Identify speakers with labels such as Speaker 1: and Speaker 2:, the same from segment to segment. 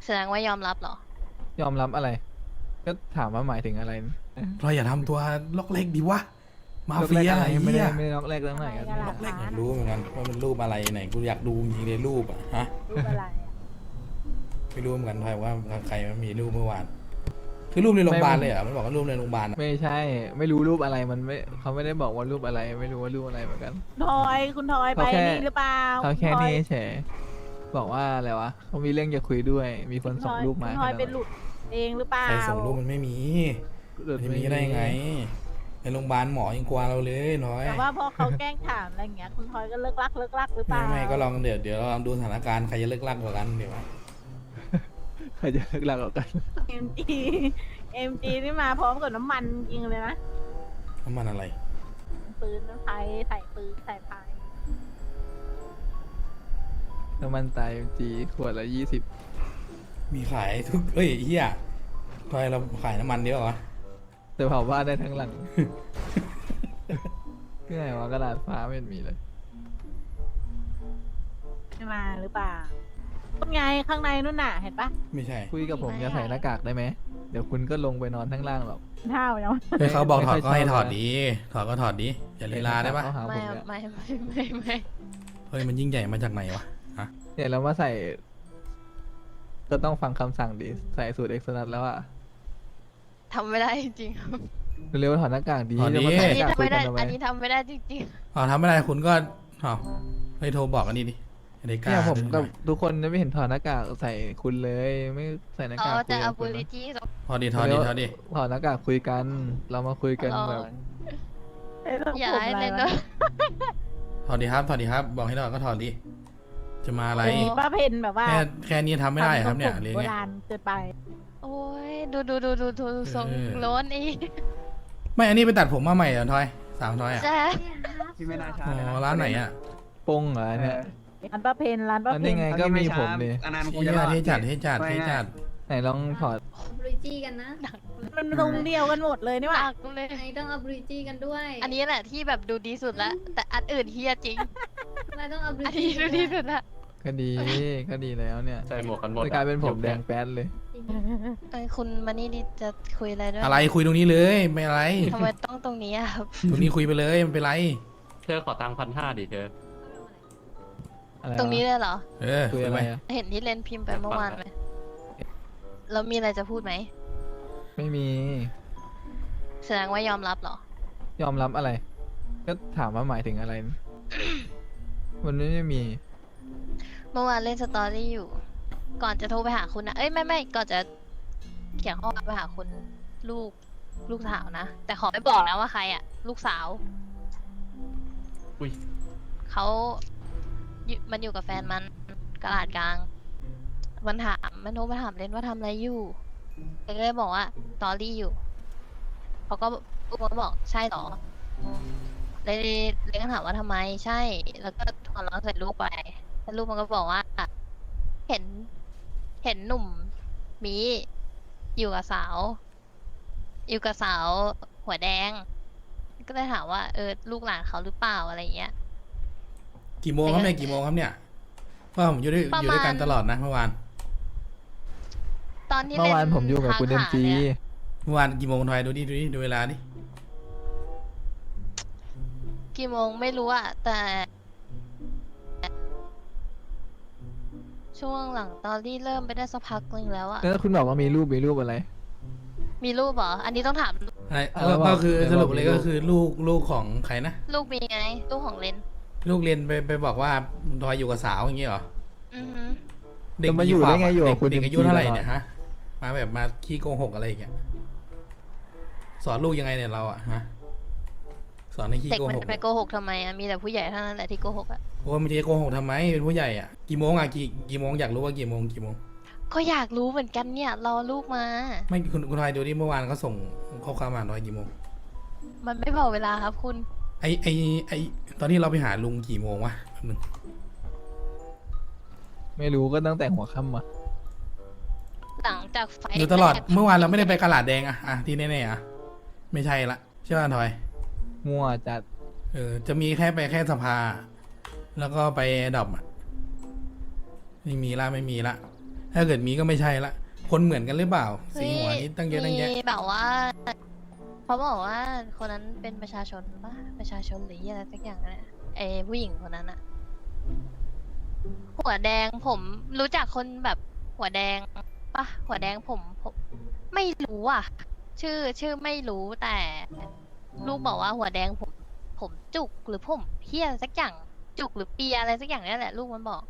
Speaker 1: แสดงว่ายอมรับเหรอ
Speaker 2: ยอมรับอะไร ก็ถามว่าหมายถึงอะไร
Speaker 3: เราอย่าทำตัวล็อกเล็กดิวะมา
Speaker 2: ล็อก
Speaker 3: เฟี
Speaker 2: แรก
Speaker 3: ย
Speaker 2: อะไร
Speaker 3: ไอ้
Speaker 2: ไม่
Speaker 3: เหี้
Speaker 2: ได้
Speaker 3: ย
Speaker 2: ไม่ได้ล็อกแรกตั้งไหนกัน
Speaker 3: ล็อกเล็กอยากรู้เหมือนกันว่ามันรูปอะไรไหนกูอยากดูจริงๆเลยรูปอะฮะ
Speaker 4: รูปอะไรอะ
Speaker 3: ไม่รู้เหมือนกันทอยว่าใครมันมีรูปเมื่อวานคือรูปในโรงพยาบาลเลยเหรอมันบอกว่ารูปในโรงพยาบาลอะ
Speaker 2: ไม่ใช่ ไม่รู้รูปอะไรมันไม่เขาไม่ได้บอกว่ารูปอะไร ไม่รู้ว่ารูปอะไรเหมือนกัน
Speaker 4: ทอยคุณทอยไป
Speaker 2: เขาแค่
Speaker 4: นี่หรือเปล่า
Speaker 2: เขาแค่
Speaker 4: ณทอย
Speaker 2: นี้เฉยบอกว่าอะไรวะเขามีเรื่องจะคุยด้วย มีคนส่งรูปมา
Speaker 4: คุณทอย
Speaker 2: ให้
Speaker 4: เป็นหลุดเองหรือเปล่า
Speaker 3: ใครส่งรูปมันไม่มี
Speaker 2: หลุด
Speaker 3: ไม่มีได้ไงในโรงพยาบาลหมอยังกลัวเราเลยน้อย
Speaker 4: แต่ว่าพอเขาแกล้งถามอะไรอย่างเงี้ยคุณทอยก็เลิกลักหรือเปล่า
Speaker 3: ไม่ก็ลองเดี๋ยวเราลองดูสถานการณ์ใครจะเลิกลักกว่ากันเดี๋ยว
Speaker 2: ใครจะเลิกลากัน
Speaker 4: เอ็มจีเอ็มจีนี่มาพร้อมกับน้ำมันจริงเลยนะ
Speaker 3: น้ำมันอะไร
Speaker 4: ปืนน้ำไฟใส่ปืนใส่ไฟ
Speaker 2: น้ำมันตายจีขวดละ20
Speaker 3: มีขายทุกเอ้ยเฮียทอยเราขายน้ำมันเดียวเหรอ
Speaker 2: แต่เผาบ้านได้ทั้งหลัง ที่ไหนวะกระดาษฟ้าไม่เห็นมีเลย
Speaker 4: ไม่มาหรือเปล่าเป็นไงข้างในนู่นน่ะเห็นปะ
Speaker 3: ไม่ใช่
Speaker 2: คุยกับผมจะใส่หน้ากากได้ไหม เดี๋ยวคุณก็ลงไปนอนทั้งล่างหรอก
Speaker 4: เท่าแล้ว
Speaker 3: เฮ้ยเขาบอกถอด
Speaker 2: ไม่
Speaker 3: ก็
Speaker 2: ค่อย
Speaker 3: ให้
Speaker 2: ชอบ
Speaker 3: ถอดดีถอดก็ถอดดีอย่าลีลาได้ปะ
Speaker 2: เขาหาผ
Speaker 1: ไม่
Speaker 2: มเนี่ย
Speaker 1: ไม่
Speaker 3: เฮ้ยมันยิ่งใหญ่มาจากไหนวะ
Speaker 2: เนี่ยเรามาใส่ ก็ต้องฟังคำสั่งดิใส่สูตรเอ็กซ์นัทแล้วอะ
Speaker 1: ทำไม่ได้จริงๆครับ
Speaker 2: เร็วๆถอดหน้ากากดี
Speaker 3: ถอดดิ
Speaker 2: จะมา
Speaker 1: อั
Speaker 2: ใส่
Speaker 1: น
Speaker 2: ห
Speaker 1: นี้
Speaker 2: น้ากาก
Speaker 1: ทำ
Speaker 2: คุย
Speaker 1: ไม่
Speaker 2: กั
Speaker 1: ได้
Speaker 2: นทำไม
Speaker 1: อันนี้ทำไม่ได้จริง
Speaker 3: อ๋อทำไม่ได้คุณก็อ๋อให้โทรบอกกันนี่ดิไอ้กล้า
Speaker 2: เนี่ยผม
Speaker 3: ดูห
Speaker 2: กับ
Speaker 3: น่อย
Speaker 2: ทุกคนจะไม่เห็นถอดหน้ากากใส่คุณเลย ไม่ใส่หน้า
Speaker 1: ๆเขา
Speaker 2: กากคุ
Speaker 1: จะ
Speaker 2: ย
Speaker 1: เอา
Speaker 2: กับ
Speaker 1: บู
Speaker 2: คุณ
Speaker 1: ลิ
Speaker 2: นะ
Speaker 1: ตี้
Speaker 3: ถอดดิถอดดิถอดดิ
Speaker 2: ถอดหน้ากากคุยกัน เรามาคุยกันแบบ
Speaker 1: อย่าให้เล่นด้วย
Speaker 3: ถอดดิครับถอดดิครับ บอกให้ถอดก็ถอดดิจะมาอะไร
Speaker 4: มีป้าเพนแบบว่า
Speaker 3: แค่นี้ทำไม่ได้ครับเนี่ย
Speaker 4: ทำ
Speaker 3: อะไร
Speaker 4: โบ
Speaker 3: เงี้ย
Speaker 4: ราณเกินไป
Speaker 1: โอ้ยดูทรงโล้นอีก
Speaker 3: ไม่อันนี้ไปตัดผมมาใหม่เหรอทอยสามทอยอ่ะ
Speaker 1: ใช่
Speaker 5: พี่ไม่น่าช้า
Speaker 3: อ๋
Speaker 5: เลยนะ
Speaker 3: อร้านไหนอ่ะ
Speaker 2: ปงเหรอเนี่ย
Speaker 4: ร้านป้าเพนร้านป้า
Speaker 2: อัน
Speaker 4: เพ
Speaker 2: นี้
Speaker 4: น
Speaker 2: ไงก็มีผมดิ
Speaker 5: อันนั้นกู
Speaker 3: ที่
Speaker 5: จะรอด
Speaker 3: ที่จัดที่จัดที่จัด
Speaker 2: ไหนลองถอด
Speaker 6: บริจีกันนะ
Speaker 4: มันตรงเดียวกันหมดเลยนี่หว่า
Speaker 1: อักเลย
Speaker 6: ไอต้องเอาบริจีกันด้วย
Speaker 1: อันนี้แหละที่แบบดูดีสุดละแต่อันอื่นเฮียจริง
Speaker 6: ทำไมต้องเอาบริ
Speaker 1: อัน
Speaker 6: จี
Speaker 1: นี้ดูดีสุดละ
Speaker 2: ก็ดีก็ดีแล้วเนี่ย
Speaker 7: ใส่หมวกกันหมด
Speaker 2: จะกลายเป็นผมแดงแป๊ดเลย
Speaker 1: คุณมานี่ดิจะคุยอะไรด้วย
Speaker 3: อะไรคุยตรงนี้เลยไม่อะไร
Speaker 1: ทำไมต้องตรงนี้อะครับ
Speaker 3: ตรงนี้คุยไปเลยมันเป็นไร
Speaker 7: เธอขอตังค์1,500ดิเธอ
Speaker 2: อะไรวะ
Speaker 1: ตรงนี้เลยเหรอ
Speaker 3: เออ
Speaker 2: คุ
Speaker 3: คุ
Speaker 2: ย
Speaker 3: ย
Speaker 2: อะไร
Speaker 3: ไป
Speaker 2: อะ
Speaker 1: เห็นที่เลนพิมพ์ไปเมื่อวานไหมแล้วมีอะไรจะพูดไหม
Speaker 2: ไม่มี
Speaker 1: แสดงว่ายอมรับเหรอ
Speaker 2: ยอมรับอะไร ก็ถามว่าหมายถึงอะไร มันไม่มี
Speaker 1: เมื่อวานเล่นสตอรี่อยู่ ก่อนจะโทรไปหาคุณนะเอ้ยไม่ก่อนจะเขียนข้อความไปหาคุณลูกสาวนะ แต่ขอไม่บอกนะว่าใครอะลูกสาว
Speaker 7: อุ้ย
Speaker 1: เขามันอยู่กับแฟนมันกระดาษกลาง มันโทรมาถามเล่นว่าทำอะไรอยู่เล่นก็เลยบอกว่าสตอรี่อยู่เขาก็ลูกมันก็บอกใช่เหรอเลยก็ถามว่าทำไมใช่ แล้วก็หัวเราะใส่ลูกไปแล้วลูกมันก็บอกว่า เห็นหนุ่มมีอยู่กับสาว หัวแดง ก็เลยถามว่าลูกหลานเขาหรือเปล่าอะไรอย่างเงี้ย
Speaker 3: กี่โมงครับเนี่ยกี่โมงครับเนี่ยเพราะผมอยู่ด้วยกันตลอดนะเมื่อวาน
Speaker 1: ตอนที่
Speaker 2: เมื่อวาน
Speaker 1: ล่
Speaker 2: ผมอยู่กับคุณเอ็ม
Speaker 1: ทาง
Speaker 2: จี
Speaker 1: หาเนี่ย
Speaker 3: เมื่อวานกี่โมงทอยดูเวลาดิ
Speaker 1: กี่โมงไม่รู้อะแต่ช่วงหลังตอนที่เริ่มไปได้สักพักนึงแล้วอะ
Speaker 2: แล้วคุณบอกว่ามีรูปอะไร
Speaker 1: มีรูปเหรออันนี้ต้องถาม
Speaker 3: อะไร
Speaker 2: แล้วบอก
Speaker 3: ก็คือ
Speaker 2: แล้ว
Speaker 3: สรุป
Speaker 2: บอก
Speaker 3: เลย
Speaker 2: มีลู
Speaker 3: ก็
Speaker 2: ก
Speaker 3: คือลูกของใครนะ
Speaker 1: ลูกมีไงลูกของเลน
Speaker 3: ลูกเรียนไปบอกว่าทอยอยู่กับสาวอย่างเงี้ยเหรอ
Speaker 1: อือฮึ
Speaker 3: เด็ก
Speaker 2: จะมาอยู่ได้ไงอยู่กับ
Speaker 3: เด็ก
Speaker 2: คุณ
Speaker 3: เด็กอายุ
Speaker 2: จริงๆ
Speaker 3: เท่าไหร่
Speaker 2: ตลอด
Speaker 3: เนี่ยฮะมาแบบมาขี้โกหกอะไรอย่างเงี้ยสอนลูกยังไงเนี่ยเราอะฮะสอนให้ขี้
Speaker 1: เด็ก
Speaker 3: โก
Speaker 1: มัน
Speaker 3: หก
Speaker 1: จะไปโกหกทำไมอะมีแต่ผู้ใหญ่เท่านั้นแหละที่โกหกอะ
Speaker 3: โอ้ไม่ใช่โกหกทำไมเป็นผู้ใหญ่อะกี่โมงอะกี่โมงอยากรู้ว่ากี่โมง
Speaker 1: ก็อยากรู้เหมือนกันเนี่ยรอลูกมา
Speaker 3: ไม่คุณทอยดูดิเมื่อวานเขาส่งข้อความมาหน่อยกี่โมง
Speaker 1: มันไม่บอกเวลาครับคุณ
Speaker 3: ไอตอนที่เราไปหาลุงกี่โมงวะแป๊บนึง
Speaker 2: ไม่รู้ก็ตั้งแต่หัวค่ำมา
Speaker 1: หลังจากไฟ
Speaker 3: อยู่ตลอด
Speaker 1: แรก
Speaker 3: เมื่อวานเราไม่ได้ไปกระหลาดแดงอะที่แน่ๆอะไม่ใช่ละใช่ป่ะทอย
Speaker 2: มั่วจัด
Speaker 3: จะมีแค่ไปแค่สภา แล้วก็ไปดรอปอะไม่มีละถ้าเกิดมีก็ไม่ใช่ละคนเหมือนกันหรือเปล่าสีหัวนี้ตั้งเยอะตั้งแยะ
Speaker 1: มีแบบว่าเขาบอกว่าคนนั้นเป็นประชาชนปะประชาชนหรืออะไรสักอย่างนะไอ้ผู้หญิงคนนั้นอะหัวแดงผมรู้จักคนแบบหัวแดงปะหัวแดงผมไม่รู้อ่ะ ชื่อไม่รู้แต่ลูกบอกว่าหัวแดงผมจุกหรือผมเพี้ยสักอย่างจุกหรือเปียอะไรสักอย่างนี่แหละลูกมันบอก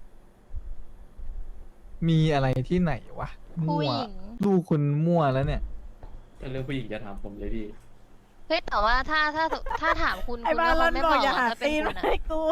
Speaker 2: มีอะไรที่ไหนวะ
Speaker 1: ผู้
Speaker 2: มั่ว
Speaker 1: หญิง
Speaker 2: ลูกคุณมั่วแล้วเนี่ย
Speaker 7: เรื่องผู้หญิงจะถามผมเลยพี่
Speaker 1: เฮ้ยแต่ว่าถ้าถามคุณ
Speaker 4: ไอ้
Speaker 1: คุณ
Speaker 4: บ้า
Speaker 1: ก็
Speaker 4: ร
Speaker 1: ค
Speaker 4: อง น
Speaker 1: ไม่
Speaker 4: บบ อ
Speaker 1: อก ก
Speaker 4: อย่า
Speaker 1: หรอก
Speaker 4: หา
Speaker 1: ถ้าเป็น
Speaker 4: ตีน
Speaker 1: คุณอะ
Speaker 4: ให้กู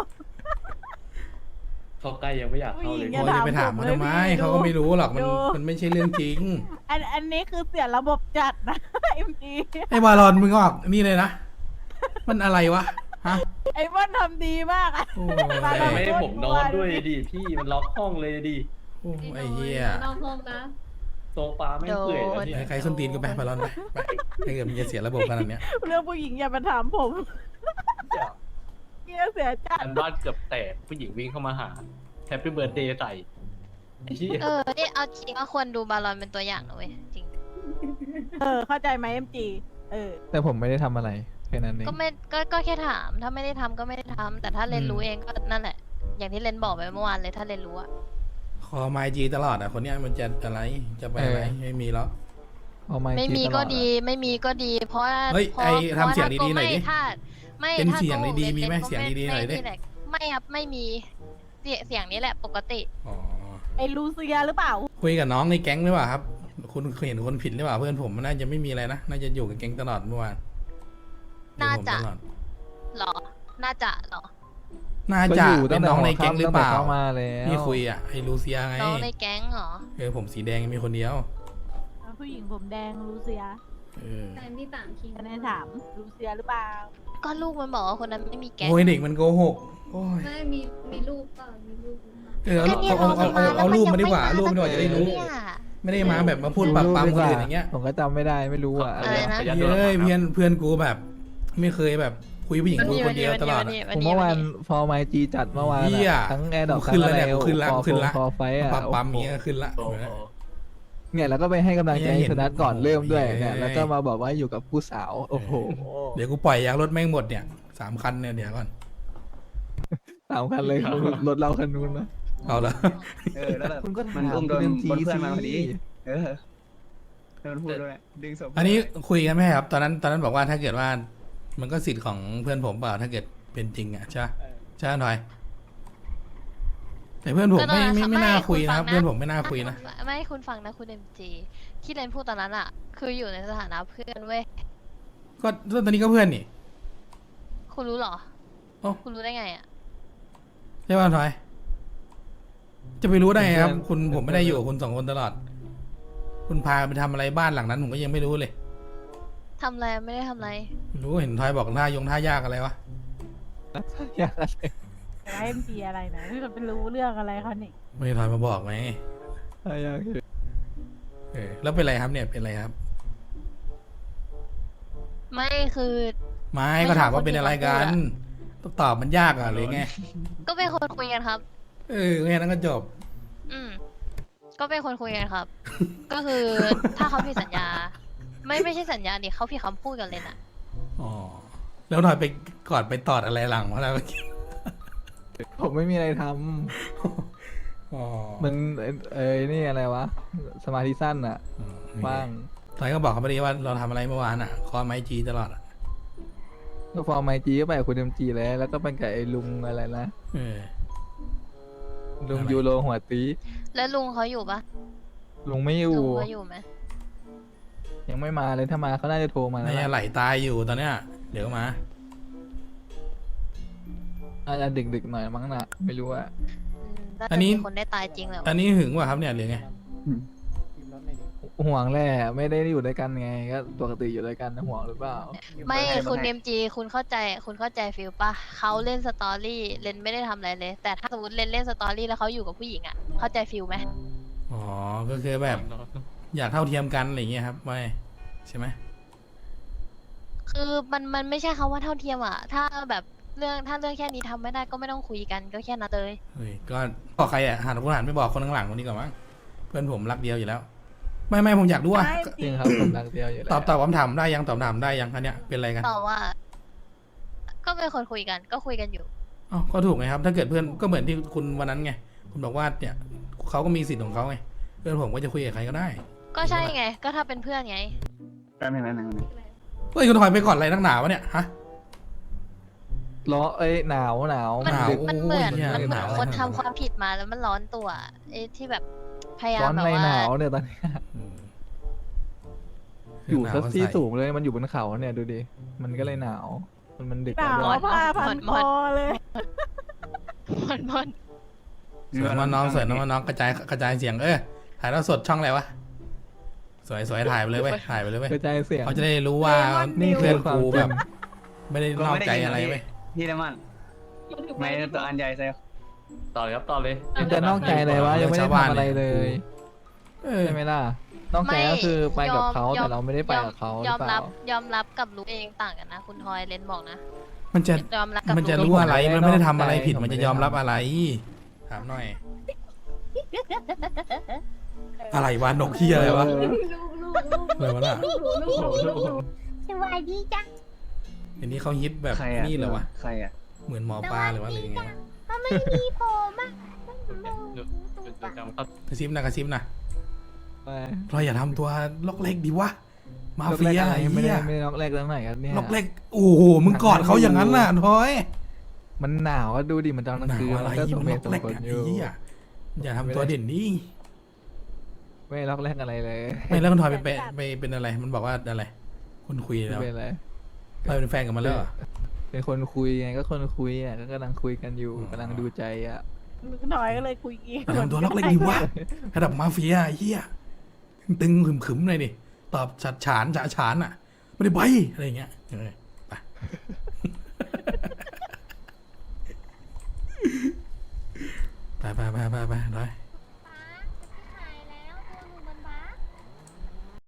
Speaker 7: เขาใกล้ยังไม่อยากเข้าเลย
Speaker 4: ผู้หญิง
Speaker 3: โอ้ยจะไปถามมันทำไม
Speaker 4: อย่าถามผมเลยพี่
Speaker 3: เขาก็ไม่รู้หรอกมัน
Speaker 4: ดู
Speaker 3: มันไม่ใช่เรื่องจริง
Speaker 4: อันนี้คือเสียระบบจัดนะ เอ็มจี
Speaker 3: ไอ้บาลอนมึงออกนี่เลยนะ มันอะไรวะฮะ
Speaker 4: ไอ้บ้านทำดีมากอะ
Speaker 3: โอ้
Speaker 4: บาลอน
Speaker 7: ไม่ให้ผมนอนด้วยดิพี่มันล็อกห้องเลยดิ
Speaker 3: โอ้ไอ้เหี้ย
Speaker 6: นอกห้องนะ
Speaker 7: โซฟาไม่เปื่อยแล้วเนี่ย
Speaker 3: ใครส้นตีนก็ไปบาลอนไปถ้าเกิดมันจะเสียระบบขนาดเนี้ย
Speaker 4: เรื่องผู้หญิงอย่ามาถามผมเกียเสียจัด
Speaker 7: อันบ้านเกือบแตกผู้หญิงวิ่งเข้ามาหาแฮปปี้เบิร์ดเดย์ใส่ไอ้เหี้ย
Speaker 1: นี่เอาจริงก็ควรดูบาลอนเป็นตัวอย่างนะเว้ยจริง
Speaker 4: เข้าใจไหมเอ็มจี
Speaker 2: แต่ผมไม่ได้ทำอะไรแค่นั้นเอง
Speaker 1: ก็แค่ถามถ้าไม่ได้ทำก็ไม่ได้ทำแต่ถ้าเรนรู้เองก็นั่นแหละ อย่างที่เรนบอกไปเมื่อวานเลยถ้าเรนรู้อะ
Speaker 3: คอไมจีตลอดอ่ะคนเนี้ยมันจะอะไรจะไปอะไรไม่มีแล้ว
Speaker 2: เอาไม้
Speaker 1: ไม่มี
Speaker 2: จี้ตล
Speaker 1: ก็
Speaker 2: ออะ
Speaker 1: ดีไม่มีก็ดี เพราะว่า
Speaker 3: เฮ้ย
Speaker 1: เพราะ
Speaker 3: ไอ้
Speaker 1: เพราะ
Speaker 3: ทำเสียง
Speaker 1: ถ้า
Speaker 3: ดีๆหน่อยดิ
Speaker 1: ถ้าไม่
Speaker 3: เป็น
Speaker 1: ถ้า
Speaker 3: เสียง
Speaker 1: โกหก
Speaker 3: ดีๆมีไหม
Speaker 1: รนก็
Speaker 3: เสียงดีๆหน่อยดิ
Speaker 1: ไม่ไม่ครับไม่มีเสียงนี้แหละปกติ
Speaker 3: อ๋อ
Speaker 4: ไอ้ลูเซียหรือเปล่า
Speaker 3: คุยกับน้องในแก๊งหรือเปล่าครับ คุณเคยเห็นคนผิดหรือเปล่าเพื่อนผมมันน่าจะไม่มีอะไรนะน่าจะอยู่กับแก๊งตลอดเมื่อวาน
Speaker 1: น่าจะ
Speaker 3: อยู่กับผมตลอด
Speaker 1: หรอน่าจะหรอ
Speaker 3: น่า
Speaker 2: ก็
Speaker 3: จะ
Speaker 2: อยู่
Speaker 3: เป็
Speaker 2: ตั้
Speaker 3: น
Speaker 2: งแต่
Speaker 3: น้องใน
Speaker 2: หัว
Speaker 3: แก๊ง
Speaker 2: ค่ำ
Speaker 3: หรือ
Speaker 2: ตั้ง
Speaker 3: เป
Speaker 2: แต่
Speaker 3: ล่า
Speaker 2: เข้ามาแล้ว
Speaker 3: พี่คุยอ่ะไอ้ลูเซียไง
Speaker 1: น้องในแก๊งเหรอ
Speaker 3: ผมสีแดงมีคนเดียว
Speaker 4: ผู้หญิงผมแดงลูเซีย
Speaker 3: เออ
Speaker 6: แฟนที่ต่างคิง
Speaker 4: คะแนนถามลูเซียหรือเปล่า
Speaker 1: ก็ลูกมันบอกว่าคนนั้นไม่มีแก๊ง
Speaker 3: โอ้ยเด็กมันโกหกโอ้ย
Speaker 6: ไม่มีลูกเปล่ามีลูกหรือเปล่า
Speaker 3: เออเอารูปมาดีกว่ารูปมาดีกว่าจะได้รู้ ไม่ได้มาแบบมาพูดปับปั๊มคนอื่นอย่างเงี้ย
Speaker 2: ผมก็จำไม่ได้ไม่รู้อ่ะ
Speaker 1: อะไรนะ
Speaker 3: เฮ้ยเพื่อนกูแบบ ไม่เคยแบบคุยผู้หญิงกูคนเดียวตลอดอะ
Speaker 2: ผมเมื่อวานฟอร์ไมจีจัดเมื่อวาน
Speaker 3: เหี้ย
Speaker 2: อะทั้งแอร์ดอก
Speaker 3: ขึ้นแล้วเนี่ยขึ้นละขึ้นละ
Speaker 2: ฟอร์ไฟอะ
Speaker 3: ปับปั๊มอย่างเงี้ยขึ้นละ
Speaker 7: โอ้โห
Speaker 2: เนี่ยแล้วก็ไปให้กำลังใจ
Speaker 3: เนี่ยเห็น
Speaker 2: สนัทก่อนเริ่มด้วย
Speaker 3: เออ
Speaker 2: เนี่ยแล้วก็มาบอกว่าอยู่กับผู้สาวโอ้โห
Speaker 3: เดี๋ยวกูปล่อยยางรถแม่งหมดเนี่ย3 คันเนี่ยเดี๋ยวก่อน
Speaker 2: สามคันเลยรถเราคันนู้นนะ
Speaker 3: เอาละ
Speaker 5: แล้วแบบ
Speaker 2: คุณก็
Speaker 5: มัน
Speaker 2: ถาม
Speaker 5: อุ้มโดน
Speaker 2: เรื่อง
Speaker 5: บนเพื่อนมาพอดี
Speaker 2: สิ
Speaker 5: เออโดนพูดด้วยดึงศพ
Speaker 3: อันนี้คุยกันไหมครับตอนนั้นบอกว่าถ้าเกิดว่า มันก็สิทธิ์ของเพื่อนผมเปล่าถ้าเกิดเป็นจริงอ่ะใช่ใช่หน่อย แต่เพื่อนผมไม่น่าคุยนะครับเพื่อนผมไม่น่าคุยนะ
Speaker 1: ไม่คุณฟังนะคุณเอ็มจีที่เรนพูดตอนนั้นอะคืออยู่ในสถานะเพื่อนเว้ย
Speaker 3: ก็ตอนนี้ก็เพื่อนนี่
Speaker 1: คุณรู้เหรอ
Speaker 3: เอ้า
Speaker 1: คุณรู้ได้ไงอะ
Speaker 3: ใช่ป่ะทอยจะไปรู้ได้ไงครับ คุณผมไม่ได้อยู่กับคุณ2 คนตลอด คุณพาไปทำอะไรบ้านหลังนั้นผมก็ยังไม่รู้เลย
Speaker 1: ทำอะไรไม่ได้ทำอะไร
Speaker 3: ไม่รู้เห็นทอยบอกท่ายากอะไรวะ
Speaker 2: อยากอะไร
Speaker 4: แต่เอ็มจีอะไรนะที่เราไปรู้เรื่องอะไรเขานี่
Speaker 3: ไม่ได้ทอยมาบอกไหม
Speaker 2: อยาก
Speaker 3: แล้วเป็นไรครับเนี่ยเป็นไรครับ
Speaker 1: ไม่คือ
Speaker 3: ไม่
Speaker 1: ไม่
Speaker 3: ก็ถาม
Speaker 1: ชอบ
Speaker 3: ว่าเป็นอะไรกัน
Speaker 1: คนที่
Speaker 3: ต้องตอบมันยากอ่ะหรือไง
Speaker 1: ก็เป็นคนคุยกันครับ
Speaker 3: แค่นั้นก็จบ
Speaker 1: อืมก็เป็นคนคุยกันครับ ก็คือถ้าเขาผิดสัญญา ไม่ใช่สัญญาดิเขาผิดคำพูดกันเลยนะ
Speaker 3: อ๋อแล้วหน่อยไปกอดไปตอดอะไรหลังวะแล้ว
Speaker 2: ผมไม่มีอะไรท
Speaker 3: อ๋อ
Speaker 2: ำมันนี่อะไรวะสมาธิสั้นอ่ะบ้าง
Speaker 3: ทอยก็บอกเขาไปดีว่าเราทำอะไรเมื่อวานอ่ะคอไม้จีตลอดอ่ะ
Speaker 2: ก็ฟอร์ไมจีก็ไปกับคุณเอ็มจีแล้วก็เป็นกับไอ้ลุงอะไรนะ
Speaker 3: เออ
Speaker 2: ลุง
Speaker 3: อะไร
Speaker 2: ยูโรหัวตี
Speaker 1: แล้วลุงเขาอยู่ปะ
Speaker 2: ลุงไม่อยู่
Speaker 1: ลุงเขาอยู่ไหม
Speaker 2: ยังไม่มาเลยถ้ามาเขาน่าจะโทรมาแล้ว
Speaker 3: น่าจะไหลตายอยู่ตอนเนี้ยเดี๋ยวมา
Speaker 2: อาจจะดึกๆหน่อยมั้งน่ะไม่รู้อะ
Speaker 1: น่า
Speaker 3: อั
Speaker 1: จะ
Speaker 3: นนี้
Speaker 1: มีคนได้ตายจริงแหละ
Speaker 3: อันนี้หึงว่ะครับเนี่ยหรือไง
Speaker 2: ห่วงแหละไม่ได้อยู่ด้วยกันไงก็ปกติอยู่ด้วยกันนะห่วงหรือเปล่า
Speaker 1: ไม่คุณเอ็มจีคุณเข้าใจฟิลปะเขาเล่นสตอรี่เลนไม่ได้ทำอะไรเลย แต่ถ้าสมมติเลนเล่นสตอรี่แล้วเขาอยู่กับผู้หญิงอะเข้าใจฟิลไหม
Speaker 3: อ๋อก็คือแบบอยากเท่าเทียมกันอะไรอย่างเงี้ยครับไม่ใช่ไหม
Speaker 1: คือมันไม่ใช่คำว่าเท่าเทียมอะถ้าแบบเรื่องแค่นี้ทำไม่ได้ก็ไม่ต้องคุยกันก็แค่นั้นเลย
Speaker 3: เฮ้ยก็บอกใครอ่ะหันผู้หันไปบอกคนข้างหลังคนนี้ก่อนมั้งเพื่อนผมรักเดียวอยู่แล้ว ไม่ผมอยากรู้ว่า
Speaker 4: ไม่
Speaker 2: จริงครับผมรักเดียวอยู่แล้ว
Speaker 3: ตอบคำถามได้ยังตอบคำถามได้ยังอันเนี้ยเป็นอะไรกัน
Speaker 1: ตอบว่า ก็เป็นคนคุยกันก็คุยกันอยู่
Speaker 3: อ๋อก็ถูกไงครับ ถ้าเกิดเพื่อนก็เหมือนที่คุณวันนั้นไงคุณบอกว่าเนี่ยเขาก็มีสิทธิ์ของเขาไงเพื่อนผมก็จะคุยกับใครก็ได้
Speaker 1: ก็ใช่ไง ก็ถ้าเป็นเพื่อนไง
Speaker 5: แป๊บนึง
Speaker 3: เฮ้ยคุณถอยไปก่อนอะไรนักหนาวะเนี่ยฮะ
Speaker 2: ร้อนหนาว
Speaker 1: มัน
Speaker 3: หนาว
Speaker 1: มันเหมือน
Speaker 3: โอ้ยเนี่ย
Speaker 1: มันเหมือน
Speaker 3: หนาว
Speaker 1: คนทำความผิดมาแล้วมันร้อนตัวไอ้ที่แบบพยายา
Speaker 2: ร้อ
Speaker 1: ม
Speaker 2: น
Speaker 1: แบบ
Speaker 2: ใน
Speaker 1: ว่า
Speaker 2: หนาวเนี่ยตอนนี้
Speaker 3: อืม
Speaker 2: อยู่
Speaker 3: หนาว
Speaker 2: สัก
Speaker 3: ก็
Speaker 2: ที่
Speaker 3: ใส่
Speaker 2: สูงเลยมันอยู่บนเขาเนี่ยดูดิมันก็เลยหนาว มันดึก
Speaker 4: หนาว
Speaker 2: แล้วด้วย
Speaker 4: ผ้าพันคอเลย
Speaker 1: มัน
Speaker 3: สวยน้องๆสวยน้องๆกระจายเสียงถ่ายทอดสดช่องอะไรวะสวยถ่ายไปเลยเว้ยถ่ายไปเลยเว้ย
Speaker 2: กระจายเสียง
Speaker 3: เขาจะได้รู้ว่า
Speaker 2: นี่
Speaker 3: เพื่อน
Speaker 2: คือความ
Speaker 3: กู
Speaker 2: จริง
Speaker 3: แบบ ไม่ได้นอกใจอะไรเว้ย
Speaker 5: พี่น้ำมันไม่ตัวอันใหญ่ใส่
Speaker 7: ต่อเลยครับต่อเลย
Speaker 2: มันจะนอกใจเลยวะยังไม่ได้ทำอะไรเลย
Speaker 3: เออ
Speaker 2: ใช่ไหมล่ะนอกใจก็คือไปกับเขา
Speaker 1: ยอม
Speaker 2: แต่เราไม่ได้ไปกับเขาห
Speaker 1: ย
Speaker 2: รือ อเป
Speaker 1: มรั
Speaker 2: ล่า
Speaker 1: บยอมรับกับรู้เองต่างกันนะ คุณทอยเลนบอกนะ
Speaker 3: มันจะ
Speaker 1: ยอมรับกับ
Speaker 3: มันจะ
Speaker 1: รู้
Speaker 3: รู้อะไร มันไม่ได้ทำอะไรผิด
Speaker 2: ผมไม่
Speaker 3: มัน
Speaker 2: ได้
Speaker 3: จะยอมรับอะไร ถามหน่อย อะไรวะ นกเฮียอะไรวะ อะไรวะน่ะ
Speaker 6: สวัสดีจ้ะ
Speaker 3: อันนี้เขาฮิตแบบ
Speaker 5: ใครอ่ะ
Speaker 3: นี่เหรอวะ
Speaker 5: ใครอ่ะ
Speaker 3: เหมือนหมอปลาหรือว่าอะไรอย่างเงี้ย
Speaker 6: ถ้าไม่มีผมอ่ะ
Speaker 3: กระซิบนะกระซิบนะ
Speaker 2: ไป
Speaker 3: เราอย่าทำตัวล็อกเล็กดีวะ มา
Speaker 2: ล็อก
Speaker 3: เฟี
Speaker 2: แรก
Speaker 3: ย
Speaker 2: อะไร
Speaker 3: ไอ้
Speaker 2: ไม่
Speaker 3: เหี้
Speaker 2: ได้
Speaker 3: ย
Speaker 2: ไม่ได้ล็อกแรกตั้งไหนครับเนี่ย
Speaker 3: ล็อกเล็ก โอ้โห มึงกอดเขาอย่างนั้นน่ะทอย
Speaker 2: มันหนาวก็ดูดิมันตอนกลาง
Speaker 3: หนา
Speaker 2: คื
Speaker 3: วน อะไร
Speaker 2: มันก็ส
Speaker 3: มั
Speaker 2: ม
Speaker 3: น
Speaker 2: เห
Speaker 3: ล็อ
Speaker 2: ตุ
Speaker 3: ก
Speaker 2: สม
Speaker 3: เล็ก
Speaker 2: ผล
Speaker 3: อะ
Speaker 2: อ
Speaker 3: ไอ้
Speaker 2: ยู่
Speaker 3: เหี้ยอย่าทำตัวเด่นดิ
Speaker 2: ไม่ล็อกแรกอะไรเลย
Speaker 3: ไม่แล้วคุณทอยไปเป็นอะไร มันบอกว่าอะไร คุณคุย
Speaker 2: ไม่
Speaker 3: แล้ว
Speaker 2: เป็นไร
Speaker 3: เราเป็นแฟนกันมาแล้วเหรอ
Speaker 2: เป็นคนคุยไงก็คนคุยอ่ะก็กำลังคุยกันอยู่กำลังดูใจอ่ะ
Speaker 4: หน่อยก็เลยคุยกี้
Speaker 3: อย่าทำตัวล็อกเล็กดีวะระดับมาเฟียไอ้เหี้ยตึงๆขึมๆหน่อยดิตอบฉัดฉานฉานอ่ะไม่ได้ใบอะไรอย่างเงี้ยไปไปเลย